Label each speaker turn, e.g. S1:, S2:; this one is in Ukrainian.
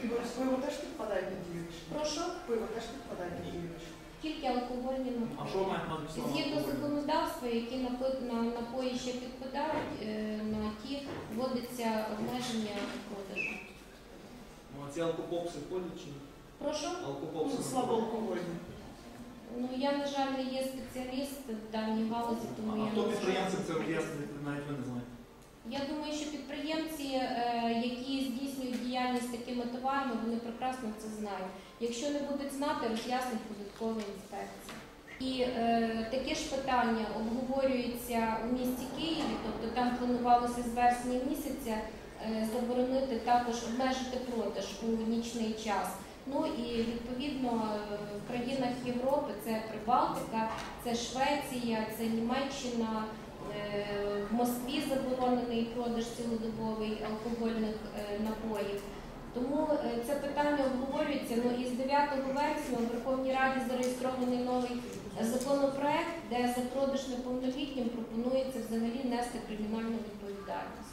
S1: Пиво теж підпадає під діючі?
S2: Прошу?
S1: Пиво теж підпадає під діючі?
S2: Тільки алкогольні напої.
S3: А що мають на увазі?
S2: Згідно законодавства, які напої ще підпадають, на ті вводиться обмеження продажу.
S3: Ну, а ці алкопопси входять чи ні?
S2: Прошу?
S3: Алкопопси.
S1: Слабоалкогольні.
S2: Ну, я, на жаль, не є спеціаліст в даній галузі, тому
S3: А
S2: я
S3: хто
S2: не
S3: підприємців це
S2: можу.
S3: об'яснить, навіть ви не знаєте.
S2: Я думаю, що підприємці, які здійснюють діяльність з такими товарами, вони прекрасно це знають. Якщо не будуть знати, роз'яснить податкова інспекція. І таке ж питання обговорюється у місті Києві, тобто там планувалося з вересня місяця заборонити також, обмежити продаж у нічний час. Ну і відповідно в країнах Європи це Прибалтика, це Швеція, це Німеччина. В Москві заборонений продаж цілодобовий алкогольних напоїв. Тому це питання обговорюється. Ну, і з 9 вересня у Верховній Раді зареєстрований новий законопроект, де за продаж неповнолітнім пропонується взагалі нести кримінальну відповідальність.